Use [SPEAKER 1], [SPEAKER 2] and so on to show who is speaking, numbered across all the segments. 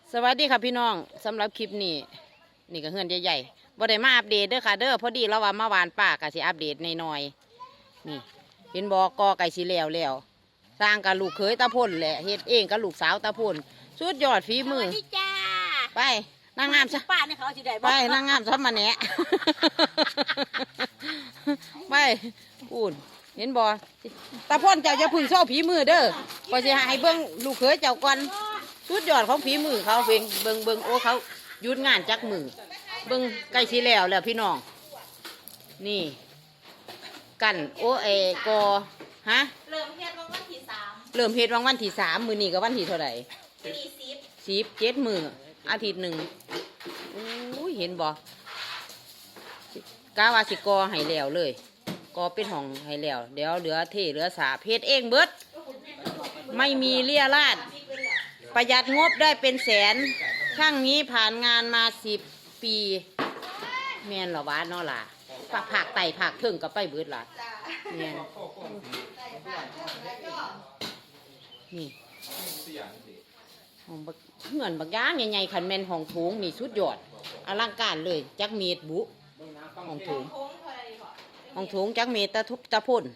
[SPEAKER 1] สวัสดีค่ะพี่น้องสำหรับคลิปนี้นี่ก็เฮือนใหญ่ๆบ่ได้มาอัปเดตเด้อค่ะเด้อพอดีเราว่ามาหวานป่าก็สิอัปเดตหน่อยๆนี่เห็นบอกกอไก่สิแล้วสร้างกับลูกเขยตาพ่นแหละเฮ็ดเองกับลูกสาวตาพ่นสุดยอดฝีมือไปนางงามซะ
[SPEAKER 2] ป้าเนี่ยเขาสิได้
[SPEAKER 1] ไปนางงามซะมาแหนะไปพูนเห็นบ่ตาพ่นเจ้าจะพึ่งโซ่ฝีมือเด้อก็สิให้เบิ่งลูกเขยเจ้าก่อนสุดยอดของฝีมือเขาเบิ่งโอ้เขาหยุดงานจักมือเบิ่งใกล้สิแล้วพี่น้องนี่กันโอเอกอฮะ
[SPEAKER 2] เริ่มเฮ็ดวันที่3
[SPEAKER 1] เริ่มเฮ็ดวันที่3มื้อนี้ก็วันที่เท่าไหร่
[SPEAKER 2] 7
[SPEAKER 1] มื้ออาทิตย์หนึ่งอุ้ยเห็นบ่กะว่าสิกอให้แล้วเลยกอเป็นห้องให้แล้วเดี๋ยวเหลือเทเหลือสาเพชรเองเบิดไม่มีเลี่ยราดประหยัดงบได้เป็นแสนช่างนี้ผ่านงานมา10 ปีแม่นเหรอวะเนาะล่ะผักไต่ผักเทิงกับไปเบิดล่ะแม่นนี่ห้องเงินบักย่างใหญ่ๆคันแม่นห้องโถงนี่สุดยอดอลังการเลยจักเมตรบุห้องโถงจักเมตรตะพ่น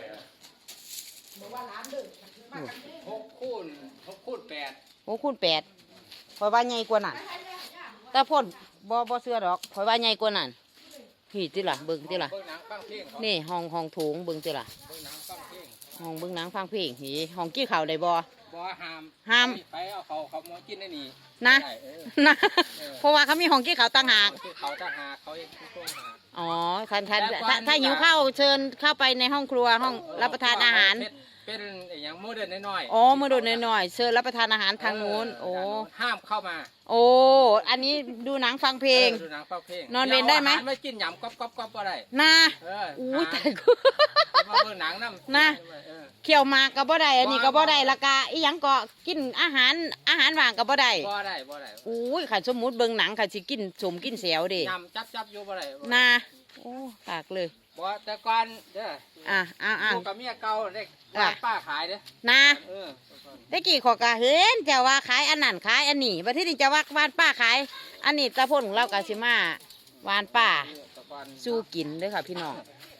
[SPEAKER 1] 6 คูณ 8คอยว่าใหญ่กว่านั้นตะพ่นบ่เสื้อดอกคอยว่าใหญ่กว่านั้นพี่ติล่ะเบิ่งติล่ะนี่ห้องโถงเบิ่งติล่ะห้องเบิ่งหนังฟังเพลงนี่ห้องกี้ข้าวได้บ่ห้าม
[SPEAKER 3] ไปเอาเขามากินได้นี่
[SPEAKER 1] นะเพราะว่าเขามีห้องกี้ข้าวต่างหาก
[SPEAKER 3] เขาต่างหากเขาเองช่วงหา
[SPEAKER 1] อ๋อถ้าหิวข้าวเชิญเข้าไปในห้องครัวห้องรับประทานอาหาร
[SPEAKER 3] เป็นอย่างโมเดิร์นน้อย
[SPEAKER 1] อ๋อโมเดิร์นน้อยเชิญรับประทานอาหารทางนู้นโอ้
[SPEAKER 3] ห้ามเข้ามา
[SPEAKER 1] โอ้อันนี้ดูหนังฟังเพลง
[SPEAKER 3] ดูหนังฟังเพลง
[SPEAKER 1] นอนเวรได้ไหม
[SPEAKER 3] ไม่กินยำก๊อบก็ได้
[SPEAKER 1] นะอุ้ยแต่กู
[SPEAKER 3] มาเบิ่งหนัง
[SPEAKER 1] นะเขี่ยวมากกับบ่ได้อันนี้กับบ่ได้ละกาอีหยังก็กินอาหารว่างกับบ่ได้อุ้ยขันสมมุติเบิ่งหนังขันสิกินสมกินเสียวดิ
[SPEAKER 3] ยำจับอยู่บ่ได้
[SPEAKER 1] นะโอ้ปากเลย
[SPEAKER 3] บ่แต่ก่อนเด้อกับเมียเก่าเด็กป้าขายเด้อ
[SPEAKER 1] นะได้กี่ขอกะเห็นเจ้าว่าขายอันนั้นขายอันนี้บัดที่นี่จะว่าวานป้าขายอันนี้ตะพ่นของเรากะสิมาวานป้าสู้กินด้วยค่ะพี่น้อง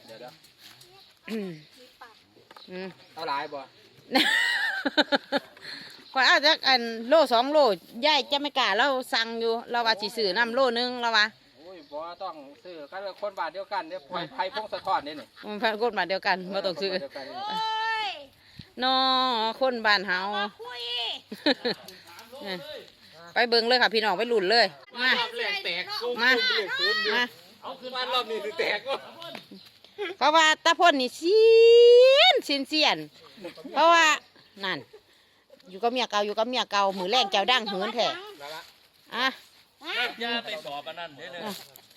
[SPEAKER 3] เอาหลายบ่
[SPEAKER 1] ก่อนเอาจากอันโล2 โลย่ายจะไม่กล้าเราสั่งอยู่เราว่าสิซื้อน้ำโลนึงเราว่า
[SPEAKER 3] บ่ต้องซื้อกันคนบาทเดียวกันเนี่ยไผ่พงสะท้อนนี่
[SPEAKER 1] มันพันคนบาทเดียวกันมาต้องซื้อน้อคนบ้านเฮาไปเบิ่งเลยค่ะพี่น้องไปหลุนเลยมา
[SPEAKER 3] เอาคืนบ้านรอบนี้แตกก็
[SPEAKER 1] เพราะว่าตาพ่นนี่เสียนเพราะว่านั่นอยู่กับเมียเก่ามือแรงแก้วดังเหินแท้อ่ะ
[SPEAKER 3] ย่าไปสอบอันนั้นเด้อ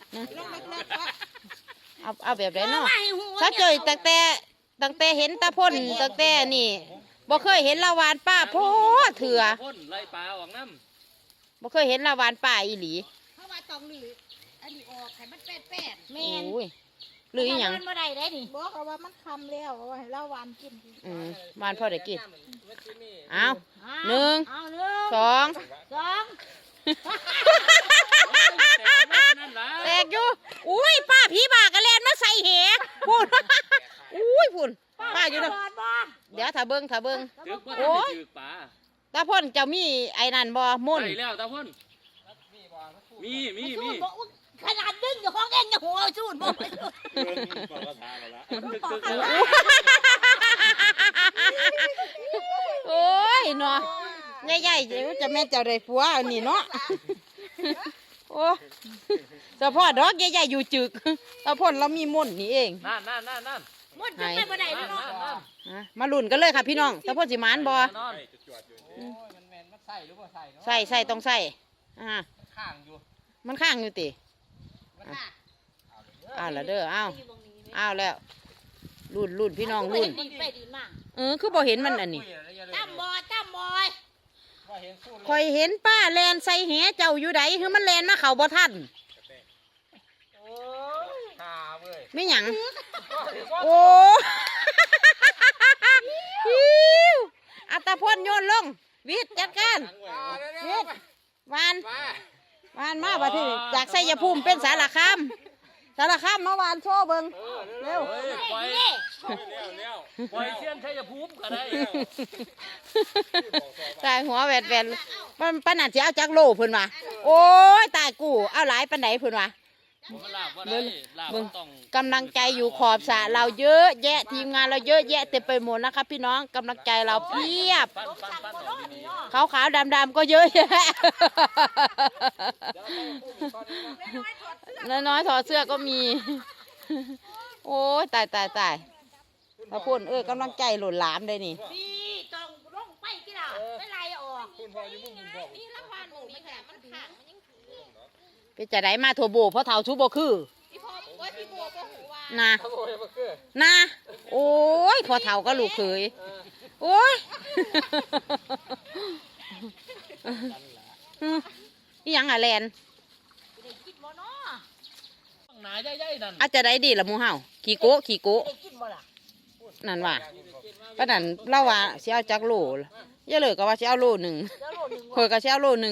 [SPEAKER 1] เอาแบบไหนเนาะถ้าเจอตั้งแต่เห็นตาพ่นตั้งแต่นี่บ่เคยเห็นลาวานป้าพ่อเถื่อ
[SPEAKER 3] ไล่ปลาออกน้
[SPEAKER 1] ำบ่เคยเห็นลาวานป้าอีหลี
[SPEAKER 2] เพราะว่าต้องหรืออันนี้ออกให้มันแป้น
[SPEAKER 1] แม่นหรืออีหยัง
[SPEAKER 2] มันบ่ได้ได้นี่บอกว่ามันคำแล้วว่าให้เราวานกิน
[SPEAKER 1] วานพ่อได้กินเอา1 2แตกอยู่อุ้ยป้าผีบากระเลนมาใส่เหพูนอุ้ยพูนป้าอยู่นะเดี๋ยวถ้าเบิ้งโอ้ยตาพ่นจะมีไอ้นั่นบ่มุ่น
[SPEAKER 3] แล้วตาพ่นมี
[SPEAKER 2] ขนาดดึงอยู่ห้องเองจะหัวสูดบ่
[SPEAKER 1] โอ้ยเนาะใหญ่ๆเดี๋ยวจะแม่เจ้าได้ผัวนี่เนาะโอ้เฉพาะดอกใหญ่ๆอยู่จึกตาพ่นเรามีมุ่นนี่เอง
[SPEAKER 3] นั่น
[SPEAKER 2] มุ่นจะไม่บ่ได้เนาะ
[SPEAKER 1] มาลุ้นกันเลยค่ะพี่น้องตาพ่นสิมานบ่ใส่ต้องใส่มันข้างอยู่ติแล้วเด้อเอาแล้วรุ่นพี่น้องรุ่นคือบ่เห็นมันอันนี้
[SPEAKER 2] ตั้มบอย
[SPEAKER 1] คอยเห็นป้าแลนใส่แหเจ้าอยู่ไหนคือมันแลนมาเข่าบ่ทันไม่หยังโอ้อัตพ่นโยนลงวิทย์จัดการวิทย์วาน
[SPEAKER 3] ว่า
[SPEAKER 1] วานมาบัดนี้จากไสยภูมิเป็นสารคามมาวานโชว์เบิ่งเร็ว
[SPEAKER 4] เฮ้ยปล่อยปล่อยเสี้ยนชัยภูมิก็ได้
[SPEAKER 1] ตายหัวแหวนมันปานนั้นสิเอาจักโลเพิ่นว่าโอ้ยตายกูเอาหลายปานใดเพิ่นว่า
[SPEAKER 4] ผมลาบว่าได้ลาบต้อง
[SPEAKER 1] กำลังใจอยู่ขอบสระเราเยอะแยะทีมงานเราเยอะแยะเต็มไปหมดนะครับพี่น้องกำลังใจเราเพียบ
[SPEAKER 4] ปั้นออกดี
[SPEAKER 1] ขาวๆดำๆก็เยอะแยะน้อยๆถอดเสื้อก็มี โอ้ยตายพระพุ่นกำลังใจหล่นหลามเลยนี่
[SPEAKER 2] นี่ต้องลงไปกี่ดาวไม่ไรออกนี่ละพันหมูนี่แหละมันขังมันยังถือ
[SPEAKER 1] เป็นจะได้มาทัวโบเพราะเท่าชูโบคือ
[SPEAKER 2] พี่พ่อโอ้ยพี่บัวก็หูว่า
[SPEAKER 1] นะ
[SPEAKER 3] โอ้ยบ่คือ
[SPEAKER 1] นะโอ้ยพอเท่าก็ลูกเคยโอ้ยนี่ยังอะแลน
[SPEAKER 2] ได้กินบ่เนาะ
[SPEAKER 4] ๆหนาใหญ่ๆนั่น
[SPEAKER 1] อาจจะได้ดีละหมูเห่าขี่โกะ
[SPEAKER 2] ได้กินบ่ล่ะ
[SPEAKER 1] นั่นว่าป้านั่นเล่าว่าสิเอาจักโลอย่าเลยก็ว่าสิเอาโลหนึ่ง
[SPEAKER 2] แล้วโลนึง
[SPEAKER 1] ข่อยก็สิเอาโลหนึ่ง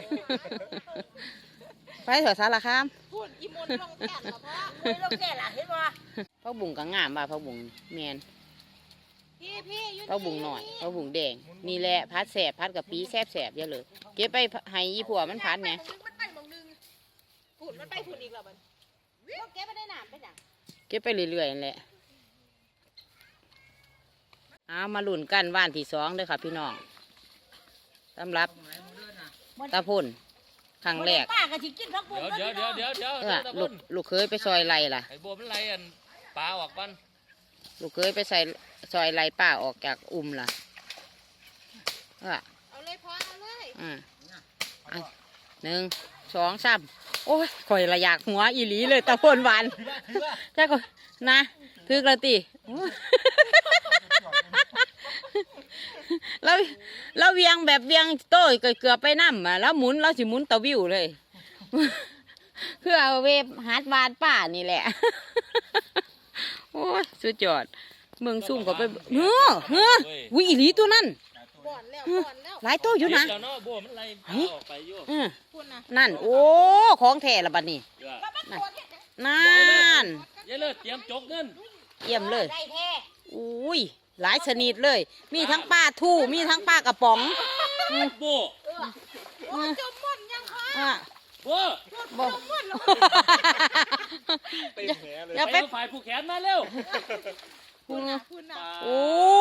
[SPEAKER 1] ไปเถอะสารคาม
[SPEAKER 2] พูดอีมนลงแก่ละพ่อคุยลงแก่ละเห็นบ่
[SPEAKER 1] พักบุ้งก็งามว่าพักบุ้งแมน
[SPEAKER 2] พี่อยู่
[SPEAKER 1] พักบุ้งหน่อยพักบุ้งแดงนี่แหละพัดแสบพัดกับปีแสบอย่าเลยเก็บไปให้อีผัวมันพัดไง
[SPEAKER 2] มันไปมองนึงพูดมันไปพูดอีกแล้วมันแกไม่ได้น้ำไปหนัง
[SPEAKER 1] เก็บไปเรื่อยๆนั่นแหละเอามาลุ้นกันว่านที่สองเด้อค่ะพี่น้องสำหรับตาพ่นครั้งแรก
[SPEAKER 2] ป้าก็สิกินพักบุ้ง
[SPEAKER 4] เดี๋ยว
[SPEAKER 1] ลูกเคยไปซอยไรล่ะ
[SPEAKER 4] ไอ้บัวมันไรอันปลาออกกัน
[SPEAKER 1] ลูกเคยไปใส่ซอยไรป้าออกจากล่ะ
[SPEAKER 2] เอาเลยพอเอาเลย
[SPEAKER 1] 1 2 3โอ้ยข่อยละอยากหัวอีหลีเลยตาพ่นหวานจ้าก็นะถึกละติแล้วเวียงแบบเวียงโต้ยเกือบไปน้ำแล้วหมุนแล้วสิหมุนตะวิวเลยเพื่อเอาเวฟฮาร์ดวานป้านี่แหละโอ้ยสุดยอดเมืองซุ่มก็ไปเฮ้อวิอีหลีตัวนั้น
[SPEAKER 2] บ่อนแล้ว
[SPEAKER 1] หลายตัวอยู่นะ
[SPEAKER 4] เดี๋ยวเนาะบัวมันไรปลาออกไปอยู่
[SPEAKER 2] พูดนะ
[SPEAKER 1] นั่นโอ้ของแท้ละบัดนี้นั่น
[SPEAKER 4] อย่าเลิกเตรียมจกเงิน
[SPEAKER 1] เยี่ยมเลย
[SPEAKER 2] ได้แท้
[SPEAKER 1] อุ้ยหลายชนิดเลย มีทั้งปลาทู่มีทั้งปลากระป๋อง
[SPEAKER 4] บัว
[SPEAKER 2] โอ้จมม่อนยังคะ
[SPEAKER 1] อ่ะ
[SPEAKER 4] บัว
[SPEAKER 1] บอก
[SPEAKER 2] ม่อนแล้ว
[SPEAKER 1] อย่า
[SPEAKER 4] ไป
[SPEAKER 1] ไป
[SPEAKER 4] ฝ่ายผู้แขนมาเร็ว
[SPEAKER 2] พูดนะ
[SPEAKER 1] โอ้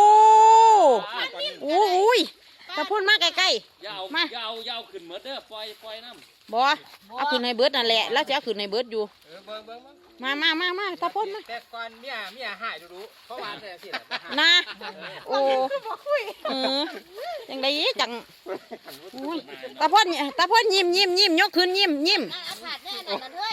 [SPEAKER 1] โอ้ยถ้าพูดมากใกล้
[SPEAKER 4] ยาว
[SPEAKER 1] มา
[SPEAKER 4] ยาวขึ้นเหมือนเด้อปล่อยน้ำ
[SPEAKER 1] ๆบอเอาขึ้นในเบิร์ดนั่นแหละแล้วจะเอาขึ้นในเบิร์ดอยู่
[SPEAKER 3] เบิ่ง
[SPEAKER 1] มาตาพ่นมา
[SPEAKER 3] แต่ก่อนเมียหายดูเพราะว่าแต่สิ
[SPEAKER 1] นะโอ้
[SPEAKER 2] บอกคุย
[SPEAKER 1] ยังไงจังอุ้ยตาพ่นยิ้มยกขึ้นยิ้ม
[SPEAKER 2] เอาผัดแน่นั่นเลย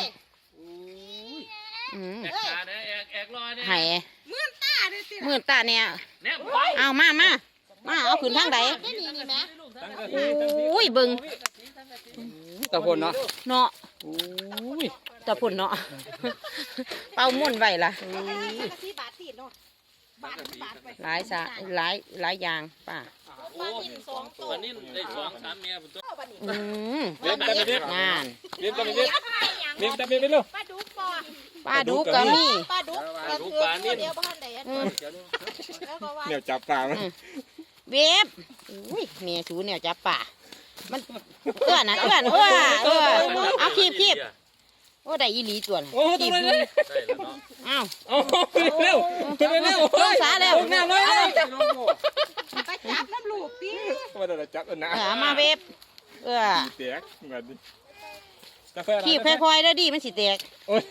[SPEAKER 4] แอกขาเนี่ยแอกลอยเนี่ย
[SPEAKER 1] ให้
[SPEAKER 2] มื่นตาเลยสิ
[SPEAKER 1] มือตาเนี่ย
[SPEAKER 4] เนี่ยไป
[SPEAKER 1] เอามาเอาขึ้นทางใด
[SPEAKER 2] ได้นี่นี่ไหม
[SPEAKER 1] โอ้ยเบิ่ง
[SPEAKER 3] ตะพนเนาะ
[SPEAKER 1] เนาะโอ้ยตาพ่นเนาะเป่าม่วนไว้ล่ะ
[SPEAKER 2] ที่บาทตีเนาะบาทไป
[SPEAKER 1] หลายอย่างป้า
[SPEAKER 2] ปลาหิน2ตัว
[SPEAKER 4] วันนี้ได้2-3เมียผมตัว
[SPEAKER 2] ปลาหิน
[SPEAKER 3] เลี้ยงกันไปดิ
[SPEAKER 1] งาน
[SPEAKER 3] เลี้ยงกันไปดิเลี้ยงกันไปดิลูก
[SPEAKER 2] ปลาดุกปอ
[SPEAKER 1] ป้าดูก็มี
[SPEAKER 2] ปลาดุกปลาเดียวบ้านไหนแล้วก็ว่า
[SPEAKER 3] เนี่ยจับปลามัน
[SPEAKER 1] เวฟอุ้ยเมียชูเนี่ยจับป่ามันเอื้อนเอาคีบโอ้ได้อีหลีตัวน่ะ
[SPEAKER 3] โอ้ตัวเลย
[SPEAKER 4] ได้แล้วเนาะ
[SPEAKER 1] อ้าว
[SPEAKER 3] โอ้เร็ว
[SPEAKER 1] ลงสาแล้ว
[SPEAKER 3] หน้าน้อยเลย
[SPEAKER 2] ไปจับน้ำลูกตี
[SPEAKER 3] มาเดี๋ยวจับนะ
[SPEAKER 1] มาเวฟ
[SPEAKER 3] เตียกเหมือนกาแฟ
[SPEAKER 1] คีบค่อยๆแล้วดิมันสิแตก
[SPEAKER 3] โอ้ย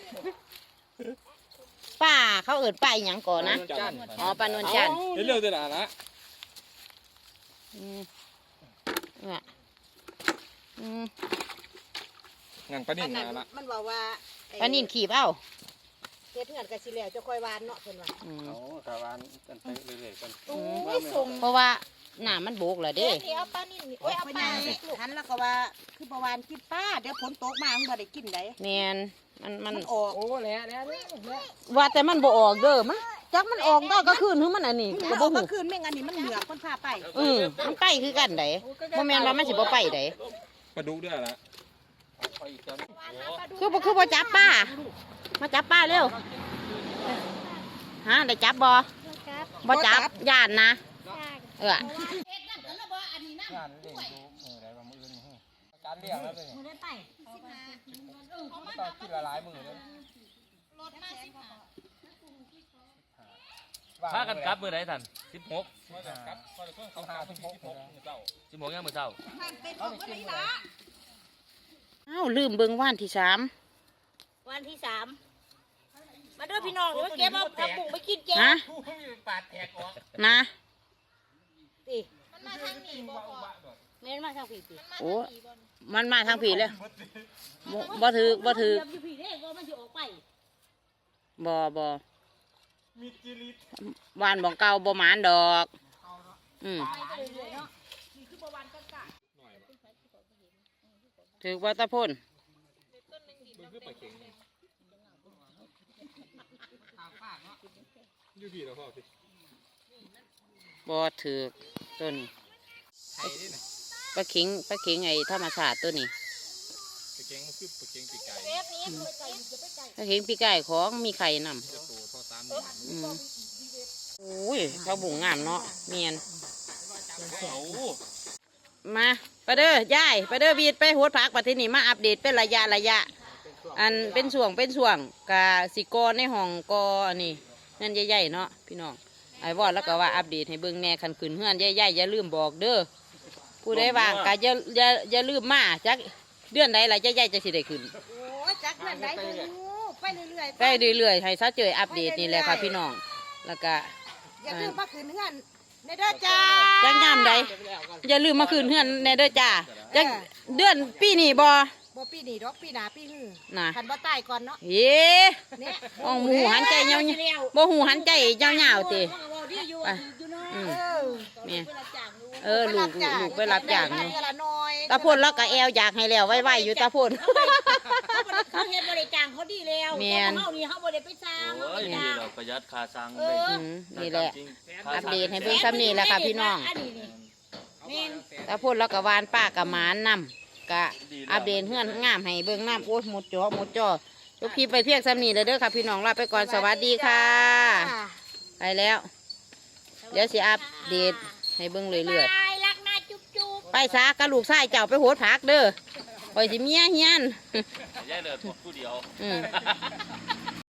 [SPEAKER 1] ป้าเขาเอิดป้าอีหยังก่อนนะอ๋อป้านวลจันทร์
[SPEAKER 3] เร็วเดี๋ยวนะ งานปนิ่งมาละ
[SPEAKER 2] มันบอกว่า
[SPEAKER 1] ป้านินขีบเอ้า
[SPEAKER 2] เฮ็ดเงินกับสิแล้วจะค่อยวานเนาะเพิ่นว่า
[SPEAKER 3] เอาคารานกันไปเรื่อยๆกัน
[SPEAKER 2] โอ้ยส่ง
[SPEAKER 1] เพราะว่าหน้ามันโบกแล้วเด้
[SPEAKER 2] นี่เอาปลานิ่นี่โอ้ยเอาปลาลูก
[SPEAKER 5] หันแล้วก็ว่าคือประวานกินป้าเดี๋ยวฝนตกมามันบ่ได้กินได้
[SPEAKER 1] แมนมัน
[SPEAKER 5] มันออก
[SPEAKER 3] โอ้แล้ว
[SPEAKER 1] ว่าแต่มันบ่ออกเด้อมันจักมันออกได้ก็คืนคือมันอันนี้
[SPEAKER 5] มัน
[SPEAKER 1] ก็
[SPEAKER 5] อ
[SPEAKER 1] บ่
[SPEAKER 5] อก
[SPEAKER 1] ฮู้
[SPEAKER 5] ก็คืนแม่งอันนี้มันเหนือกคนพาไป
[SPEAKER 1] มันไปคือกันไดบ่แม่นว่ามันสิบ่ไปได
[SPEAKER 4] ปลาดุกด้วยล่ะ
[SPEAKER 3] เอาอีกตัวนึง
[SPEAKER 1] คือบ่จับป้ามาจับป้าเร็วฮะได้จับบ่จับย่านนะเออ
[SPEAKER 3] งานเลี้ยงดูมืออะไรบางมือนี่การเลี้ยงแล้วเป็นต้องกินละลายมือเลย
[SPEAKER 4] พากันกลับมื้อใดท่าน16
[SPEAKER 3] ครับต้องหาที่พก
[SPEAKER 4] 16ยังมื้อเช้า
[SPEAKER 3] เขาไปกินเลย
[SPEAKER 1] อ้าวลืมเบิ่งวันที่
[SPEAKER 2] วันที่3มาด้วยพี่น้องเดี๋ยวเก็บเอาผักบุ้งไปกินแก
[SPEAKER 1] 3ฮะ
[SPEAKER 3] ปาดแตกออก
[SPEAKER 1] นะ
[SPEAKER 2] ติมันมาทางนี้บ่แม่นมาทางผีติ
[SPEAKER 1] โอ้มันมาทางผีเลยบ่ถือ
[SPEAKER 2] อยู่ผีเด้ก็มันสิออกไป
[SPEAKER 1] บ่วานบ่เก่าบ่หมานดอก
[SPEAKER 2] ไปเรื่อยๆเนาะนี่คือประวันกันกะ
[SPEAKER 1] ถือว่าตะพ่นบ่ถือตัวนี้ปลาเข็งไอ้ธรรมชาติตัวนี้
[SPEAKER 4] ปลาเค็งมันคือปลาเค็งปีกไก่
[SPEAKER 2] เทปนี้ไปไก่จะไปไก่
[SPEAKER 1] ปลาเข็งปีกไก่ของมีไข่นำ
[SPEAKER 4] จะโตท่อ3นิ้ว
[SPEAKER 1] โอ้ยเขาบุ่งงามเนาะเมียน
[SPEAKER 4] เอา
[SPEAKER 1] มาไปเด้อย่ายไปเด้อวีดไปโหดผักปัที่นี่มาอัปเดตเป็นระยะอันเป็นช่วงกะสิกอในห้องกออันนี้นั่นใหญ่ๆเนาะพี่น้องไอ้วอดแล้วก็ว่าอัปเดตให้เบิ่งแน่คันขืนเฮือนใหญ่ๆอย่าลืมบอกเด้อผู้ใดว่างก็อย่าลืมมาจักเดือนใดล่ะใหญ่ๆจะสิได้ขึ้น
[SPEAKER 5] โอ้ยจักเงินไหนไปเรื่อยๆ
[SPEAKER 1] ได้เรื่อยๆให้ซะเจออัปเดตนี่แหละค่ะพี่น้องแล้วก็
[SPEAKER 5] อย่าลืมมาคืนเงินในเด้อจ้า
[SPEAKER 1] จังยามใดอย่าลืมมาคืนเฮือนแน่เด้อจ้าจักเดือนปีนี้บ่
[SPEAKER 5] บ่ปีนี้ดอกปีหน้าปีหื้อ
[SPEAKER 1] น่ะ
[SPEAKER 5] คันบ่ตายก่อนเนาะ
[SPEAKER 1] เย้
[SPEAKER 5] เนี่ย
[SPEAKER 1] มองหมูหันใจเงาๆบ่หูหันใจเงาๆติ
[SPEAKER 2] อยู่
[SPEAKER 1] ไป
[SPEAKER 2] อยู่เนาะ
[SPEAKER 1] อืม
[SPEAKER 5] เออ
[SPEAKER 1] แม่
[SPEAKER 2] เวลาจ้างดู
[SPEAKER 1] ลูกไปรับจ้าง
[SPEAKER 5] ได้
[SPEAKER 1] อยู่
[SPEAKER 5] เงินละน้อย
[SPEAKER 1] ตาพ่นแล้วก็แอวอยากให้แล้วไว้ๆอยู่ตาพ่น
[SPEAKER 2] เขาเฮ็ดบริจางเขาดีแล้ว
[SPEAKER 1] แม่น
[SPEAKER 2] เฮานี่เฮาบ่ได้ไปสร้างเฮา
[SPEAKER 4] โอ้
[SPEAKER 2] ไป
[SPEAKER 4] ย
[SPEAKER 2] จ้าง
[SPEAKER 4] เราประหยัดค่าสร้าง
[SPEAKER 2] เอ
[SPEAKER 4] ได้
[SPEAKER 2] อ
[SPEAKER 1] นี่แหละ
[SPEAKER 4] ค่า
[SPEAKER 1] อัป
[SPEAKER 4] สร้าง
[SPEAKER 1] เดตให้เบิ่งซ้ำนี่แหละค่ะพี่น้อง
[SPEAKER 2] อันนี้นี่แม่น
[SPEAKER 1] ตาพ่นแล้วก็วานป้ากับหมานนำกะอัปเดตเฮือนงามให้เบิ่งน้ำโอ้ยหมดจอจบคลิปไปเพียงซ้ำนี่เลยเด้อค่ะพี่น้องลาไปก่อนสวัสดีค่ะ ไปแล้ว เดี๋ยวสิอัปเดตให้เบิ่งเรื่อย
[SPEAKER 2] บายรักนะจุ๊บ
[SPEAKER 1] ๆไปซากระลูกชายเจ้าไปโหดผักเด้อคอยสิเมียเฮียน
[SPEAKER 4] ย่ายเลือดผู้เดียว
[SPEAKER 1] อืม